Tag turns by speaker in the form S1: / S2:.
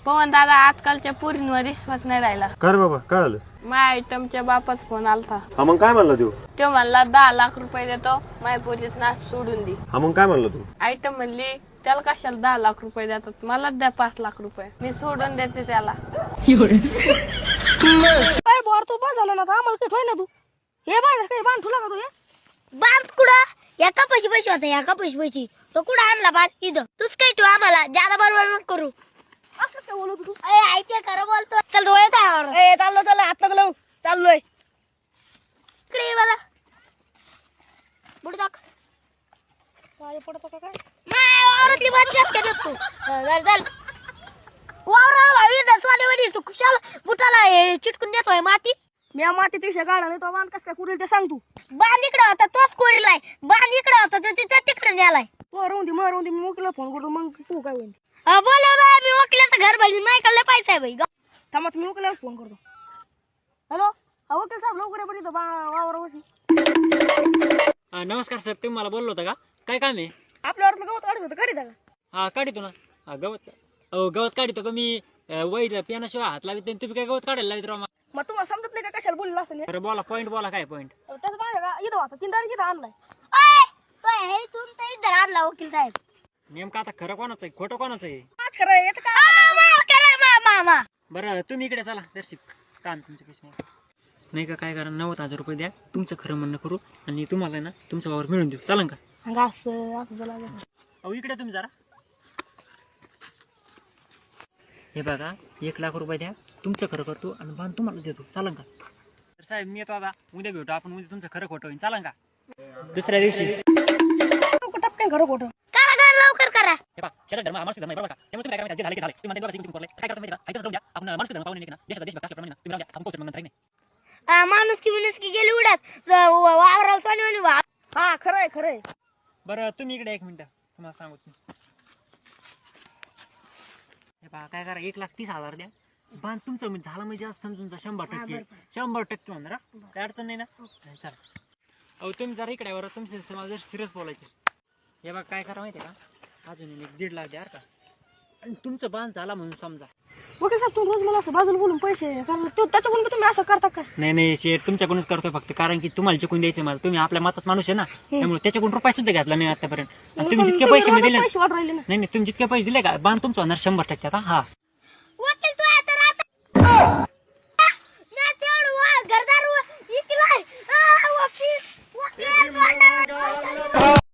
S1: पवन दादा आजकालच्या पुरींवर विश्वास नाही राहिला.
S2: कर बाबा काय आलं?
S1: माझ्या आयटमच्या बापाच फोन आलता.
S2: हा मग काय म्हणला तू?
S1: तो म्हणला 10 लाख रुपये देतो, माझ्या पोरीत नाच सोडून दे.
S2: हा मग काय म्हणला तू?
S1: आयटम म्हणली त्याला कशाला 10 लाख रुपये देतात, मला द्या 5 लाख रुपये, मी सोडून देते त्याला.
S3: काय बोर तू बस झाला ना आता आम्हाला काही ठेव ना तू. हे बांध काय बांध तुला का तू हे
S4: बांध कुठं एका पैशी होता एका पैशी तो कुठं आणला बांध इथं तूच काय ठेव आम्हाला ज्यादा बरोबर नको करू.
S3: असं काय बोलत तू?
S4: ऐकते खरं बोलतो चल डोळे तयार
S3: ए चाललो चाललो हात लागलो चाललोय.
S4: इकडे ये मला बुड दाख
S3: काय पडतो का काय
S4: वावरातली बात जास्त काय तू चल वावरा भावी दसवाने वडी तू खुशाल बुटाला चिटकून देतोय माती.
S3: मी मातीत विषय काढला नाही तो बांध कस काय कुरेल ते सांग तू.
S4: बांध इकडे होता तोच कोरीलाय बांध इकडे होता तो तिच्या तिकडे नेलाय.
S3: मरून दे मी मोकळा फोन करतो मग तू काय होईल.
S4: बोलव मी वकिलाचं घर भरली माझ्याकडे पैसा आहे बाई.
S3: थांबा मी मोकळ्यावर फोन करतो. हॅलो हा वकील साहेब लवकर या बरं इथं वावरावरशी.
S5: नमस्कार साहेब, तुम्ही मला बोललो होता का? काय काम आहे?
S3: आपल्या वाटलं गवत काढत होतं काढी का?
S5: हा काढितो ना. हा गवत गवत काढितो का मी? वैर पेनाशिवाय हात लावित नाही. तुम्ही काय गवत काढायला लावित राव?
S3: मग तुम्हाला समजत नाही का कशाला बोलला असं
S5: बरं बोला पॉईंट बोला. काय पॉईंट?
S3: त्याचं बांध का इथं होता 3 तारीख इथं आणलाय.
S4: तू इथं आणला वकील साहेब.
S5: नेमकं आता खरं कोणाचं आहे खोटं कोणाचं आहे?
S3: आज खरं आहे, याचं काय
S4: मामा
S5: बरं तुम्ही इकडे चला दर्शिक काम तुमच्या पैसे नाही का? काय करा 90,000 रुपये द्या, तुमचं खरं म्हणणं करू आणि तुम्हाला ना तुमचा वावर मिळून देऊ. चालन का?
S3: असं झालं.
S5: अहो इकडे तुम्ही जरा हे बघा 1 लाख रुपये द्या, तुमचं खरं करतो आणि बांध तुम्हाला देतो. चालन का? तर साहेब मी येतो आता, उद्या भेटू आपण. उद्या तुमचं खरं खोटं होईल. चालन का? दुसऱ्या दिवशी
S3: टपक्यान खरं खोटं
S4: करा लवकर करा.
S5: हे पहा शेतात धर्म हा माणूस धर्म आहे बरोबर का? त्यामुळे तुम्ही काय करायचं? जे झाले की झाले. तुम्ही म्हणता तुम्ही करले काय करता माहिती का? ऐकतच राहू द्या. आपण माणूस धर्म पाहून नाही ना देशाचा देश असल्याप्रमाणे ना तुम्ही राहू द्या. आपण पोहोचू मग नंतर नाही.
S4: माणूस की गेली उडत वावराला सोनी
S3: हा खरं आहे.
S5: बरं तुम्ही इकडे 1 मिनिट तुम्हाला सांगू. हे पहा काय करा 1,30,000 द्या, बांध तुमचं म्हणजे झालं म्हणजे समजून जा 100% 100% म्हणणार. काय अडचण नाही ना? चला अहो तुम्ही जरा इकडे बरं, तुमचे मला जर सिरियस बोलायचे. हे बघा काय करा माहिती आहे का? अजून 1.5 लाख द्या का, आणि तुमचं बांध झाला म्हणून समजा.
S3: वकील साहेब तुम्ही रोज मला असं बाजूला बोलून पैसे कारण त्याच्याकडून का तुम्ही असं करता का?
S5: नाही शेठ तुमच्याकडूनच करतोय फक्त, कारण की तुम्हाला चिकून द्यायचे मला. तुम्ही आपल्या मतात माणूस आहे ना, त्यामुळे त्याच्याकडून रुपये सुद्धा घातला नाही आतापर्यंत. आणि तुम्ही जितके पैसे मी दिले
S3: पैसे वाट राहिले ना.
S5: नाही तुम्ही जितके पैसे दिले का बांध तुमचं होणार 100% आता. हा
S4: वकील तू आता घरदार इकलाय वकील